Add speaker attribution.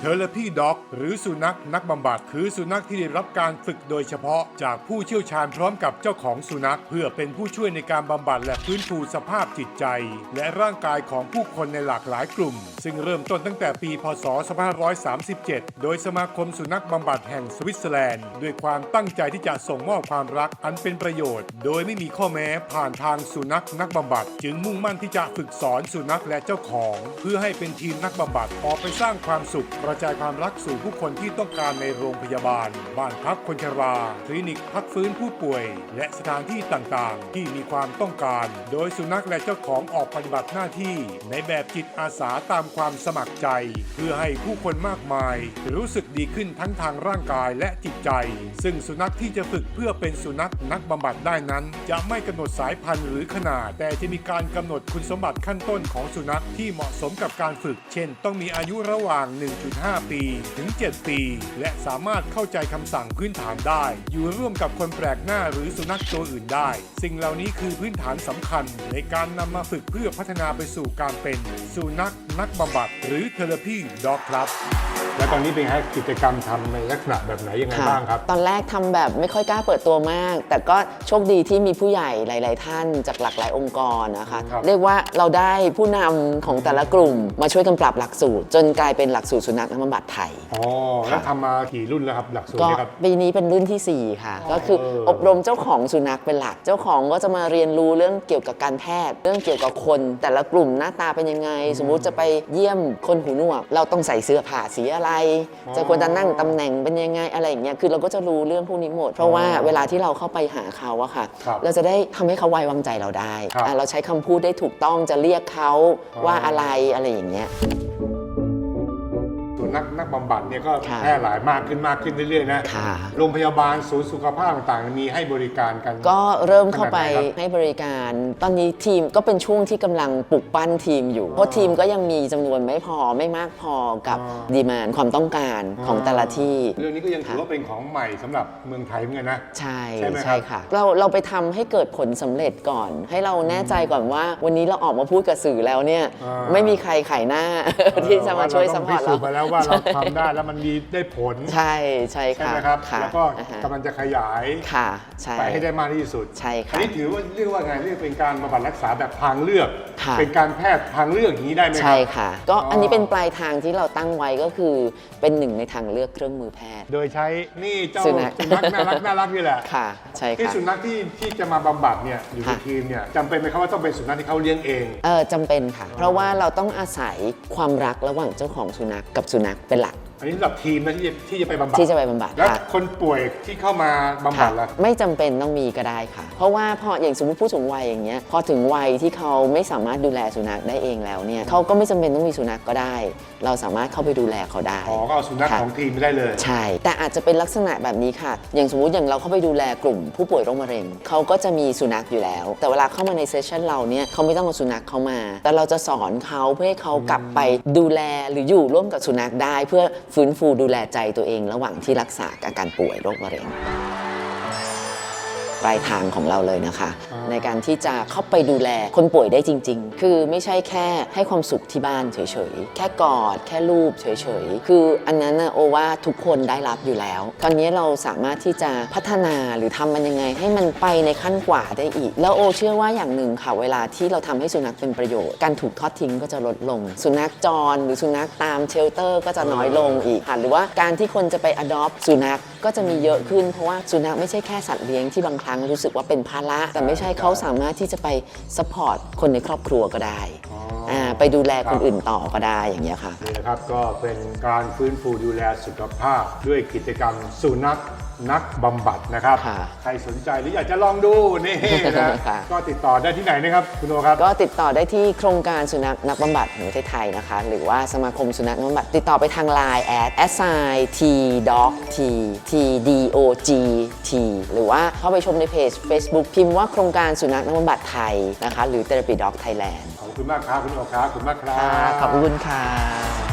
Speaker 1: Therapy Dog หรือสุนัขนักบำบัดคือสุนัขที่ได้รับการฝึกโดยเฉพาะจากผู้เชี่ยวชาญพร้อมกับเจ้าของสุนัขเพื่อเป็นผู้ช่วยในการบำบัดและฟื้นฟูสภาพจิตใจและร่างกายของผู้คนในหลากหลายกลุ่มซึ่งเริ่มต้นตั้งแต่ปีพ.ศ. 2537 โดยสมาคมสุนัขบำบัดแห่งสวิตเซอร์แลนด์ด้วยความตั้งใจที่จะส่งมอบความรักอันเป็นประโยชน์โดยไม่มีข้อแม้ผ่านทางสุนัขนักบำบัดจึงมุ่งมั่นที่จะฝึกสอนสุนัขและเจ้าของเพื่อให้เป็นทีมนักบำบัดออกไปสร้างความสุขกระจายความรักสู่ผู้คนที่ต้องการในโรงพยาบาลบ้านพักคนชราคลินิกพักฟื้นผู้ป่วยและสถานที่ต่างๆที่มีความต้องการโดยสุนัขและเจ้าของออกปฏิบัติหน้าที่ในแบบจิตอาสาตามความสมัครใจเพื่อให้ผู้คนมากมายรู้สึกดีขึ้นทั้งทางร่างกายและจิตใจซึ่งสุนัขที่จะฝึกเพื่อเป็นสุนัขนักบำบัดได้นั้นจะไม่กำหนดสายพันธุ์หรือขนาดแต่จะมีการกำหนดคุณสมบัติขั้นต้นของสุนัขที่เหมาะสมกับการฝึกเช่นต้องมีอายุระหว่าง 1.5 ปีถึง 7 ปีและสามารถเข้าใจคำสั่งพื้นฐานได้อยู่ร่วมกับคนแปลกหน้าหรือสุนัขตัวอื่นได้สิ่งเหล่านี้คือพื้นฐานสำคัญในการนำมาฝึกเพื่อพัฒนาไปสู่การเป็นสุนัขนักบำบัดหรือ Therapy Dog ครับและตอนนี้เป็นให้กิจกรรมทำในลักษณะแบบไหนยังไงบ้างครับ
Speaker 2: ตอนแรกทำแบบไม่ค่อยกล้าเปิดตัวมากแต่ก็โชคดีที่มีผู้ใหญ่หลายๆท่านจากหลากหลายองค์กรนะคะเรียกว่าเราได้ผู้นำของแต่ละกลุ่มมาช่วยกันปรับหลักสูตรจนกลายเป็นหลักสูตรสุนัขนักบำบัดไทย
Speaker 1: อ๋อแล้วทำมากี่รุ่นแล้วครับหลักสูตรนี้ครับ
Speaker 2: ปีนี้เป็นรุ่นที่4ค่ะก็คืออบรมเจ้าของสุนัขเป็นหลักเจ้าของก็จะมาเรียนรู้เรื่องเกี่ยวกับการแพทย์เรื่องเกี่ยวกับคนแต่ละกลุ่มหน้าตาเป็นยังไงสมมุติจะไปเยี่ยมคนหูหนวกเราต้องใส่เสื้อผ้าสีอะไรจะควรจะนั่งตำแหน่งเป็นยังไงอะไรอย่างเงี้ยคือเราก็จะรู้เรื่องพวกนี้หมดเพราะว่าเวลาที่เราเข้าไปหาเขาอะค่ะเราจะได้ทำให้เขาไว้วางใจเราได้เราใช้คำพูดได้ถูกต้องจะเรียกเขาว่าอะไรอย่างเงี้ย
Speaker 1: นักบำบัดเนี่ยก็แพร่หลายมากขึ้นเรื่อยๆนะโรงพยาบาลศูนย์สุขภาพต่างๆมีให้บริการกัน
Speaker 2: ก็เริ่มเข้าไปให้บริการตอนนี้ทีมก็เป็นช่วงที่กำลังปลุกปั้นทีมอยู่เพราะทีมก็ยังมีจำนวนไม่มากพอกับดีมานด์ความต้องการของแต่ละที่
Speaker 1: เรื่องนี้ก็ยังถือว่าเป็นของใหม่สำหรับเมืองไทยเหมือนกันนะ
Speaker 2: ใช่ค่ะเราไปทำให้เกิดผลสำเร็จก่อนให้เราแน่ใจก่อนว่าวันนี้เราออกมาพูดกับสื่อแล้วเนี่ยไม่มีใครขายหน้าที่จะมาช่วยซัพพอร์ตเรา
Speaker 1: ว่าเราทำได้แล้วมันมีได้ผล
Speaker 2: ใช่ค่ะ
Speaker 1: นะครับแล้วก็กำลังจะขยายไปให้ได้มากที่สุด
Speaker 2: ใช่ค่ะ
Speaker 1: อันนี้ถือว่าเรียกว่าไงเรียกเป็นการบำบัดรักษาแบบทางเลือกเป็นการแพทย์ทางเลือกอย่างนี้ได้ไหมครับ
Speaker 2: ใช่ค่ะก็อันนี้เป็นปลายทางที่เราตั้งไว้ก็คือเป็นหนึ่งในทางเลือกเครื่องมือแพทย์
Speaker 1: โดยใช้นี่เจ้าสุนัขน่ารักนี่แหละ
Speaker 2: ค่ะใช่ค่ะ
Speaker 1: ที่สุนัขที่จะมาบำบัดเนี่ยอยู่ในทีมเนี่ยจำเป็นไหมครับว่าต้องเป็นสุนัขที่เขาเลี้ยงเอง
Speaker 2: จำเป็นค่ะเพราะว่าเราต้องอาศัยความรักระหว่างเจ้าของสุนัขกับสุนัขเป็นหลัก
Speaker 1: อันนี้สำหรับทีมนะที่จะไปบำบัด
Speaker 2: แล้ว
Speaker 1: คนป่วยที่เข้ามาบำบัดล่ะ
Speaker 2: ไม่จำเป็นต้องมีก็ได้ค่ะเพราะว่าพออย่างสมมติผู้สูงวัยอย่างเงี้ยพอถึงวัยที่เขาไม่สามารถดูแลสุนัขได้เองแล้วเนี่ยเขาก็ไม่จำเป็นต้องมีสุนัขก็ได้เราสามารถเข้าไปดูแลเขาได้
Speaker 1: ก็เอาสุนัขของทีมไม่ได้เลย
Speaker 2: ใช่แต่อาจจะเป็นลักษณะแบบนี้ค่ะอย่างสมมติอย่างเราเข้าไปดูแลกลุ่มผู้ป่วยโรคมะเร็งเขาก็จะมีสุนัขอยู่แล้วแต่เวลาเข้ามาในเซสชันเราเนี่ยเขาไม่ต้องเอาสุนัขเข้ามาแต่เราจะสอนเขาเพื่อให้เขากลับไปดูแลหรืออยู่ร่วมกับสุนัขได้เพื่อฟื้นฟูดูแลใจตัวเองระหว่างที่รักษาอาการป่วยโรคมะเร็งปลายทางของเราเลยนะคะในการที่จะเข้าไปดูแลคนป่วยได้จริงๆคือไม่ใช่แค่ให้ความสุขที่บ้านเฉยๆแค่กอดแค่รูปเฉยๆคืออันนั้นนะโอว่าทุกคนได้รับอยู่แล้วตอนนี้เราสามารถที่จะพัฒนาหรือทำมันยังไงให้มันไปในขั้นกว่าได้อีกแล้วโอเชื่อว่าอย่างหนึ่งค่ะเวลาที่เราทำให้สุนัขเป็นประโยชน์การถูกทอดทิ้งก็จะลดลงสุนัขจรหรือสุนัขตามเชลเตอร์ก็จะน้อยลงอีกหรือว่าการที่คนจะไป adopt สุนัขก็จะมีเยอะขึ้นเพราะว่าสุนัขไม่ใช่แค่สัตว์เลี้ยงที่บางครั้งรู้สึกว่าเป็นภาระแต่ไม่ใช่เขาสามารถที่จะไปซัพพอร์ตคนในครอบครัวก็ได้ไปดูแลคนอื่นต่อก็ได้อย่างเงี้ยค่ะ
Speaker 1: นี่นะครับก็เป็นการฟื้นฟูดูแลสุขภาพด้วยกิจกรรมสุนัขนักบำบัดนะครับใครสนใจหรืออยากจะลองดูนี่นะก็ติดต่อได้ที่ไหนนะครับคุณโอครับ
Speaker 2: ก็ติดต่อได้ที่โครงการสุนัขนักบำบัดแห่งประเทศไทยนะคะหรือว่าสมาคมสุนัขนักบำบัดติดต่อไปทาง LINE @tdog หรือว่าเข้าไปชมในเพจ Facebook พิมพ์ว่าโครงการสุนัขนักบำบัดไทยนะคะหรือ Therapy Dog Thailand
Speaker 1: ขอบคุณมากครับคุณโอครับขอบคุณมากครับ
Speaker 2: ขอบคุณค่ะ